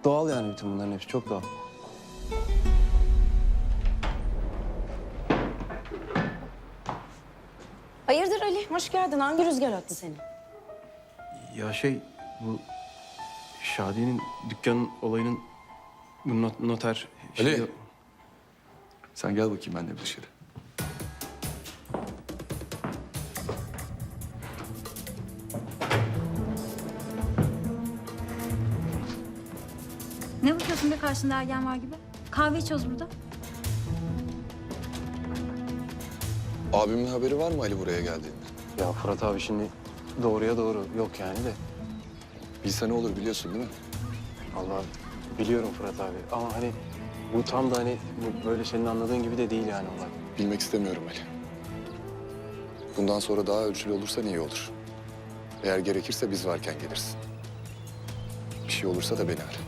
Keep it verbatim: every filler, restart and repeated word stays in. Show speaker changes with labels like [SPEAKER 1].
[SPEAKER 1] Doğal yani bütün bunların hepsi çok doğal.
[SPEAKER 2] Hayırdır Ali? Hoş geldin. Hangi rüzgar attı seni?
[SPEAKER 1] Ya şey bu Şadiye'nin dükkanın olayının bu not, noter...
[SPEAKER 3] Ali.
[SPEAKER 1] şeyi-
[SPEAKER 3] Sen gel bakayım benimle bir dışarı.
[SPEAKER 4] Ne bakıyorsun be karşında ergen var gibi? Kahve içiyoruz burada.
[SPEAKER 3] Abimin haberi var mı Ali buraya geldiğinde?
[SPEAKER 1] Ya Fırat abi şimdi doğruya doğru yok yani de.
[SPEAKER 3] Bilse ne olur biliyorsun değil mi?
[SPEAKER 1] Allah biliyorum Fırat abi ama hani bu tam da hani bu böyle senin anladığın gibi de değil yani olay.
[SPEAKER 3] Bilmek istemiyorum Ali. Bundan sonra daha ölçülü olursan iyi olur. Eğer gerekirse biz varken gelirsin. Bir şey olursa da beni ara.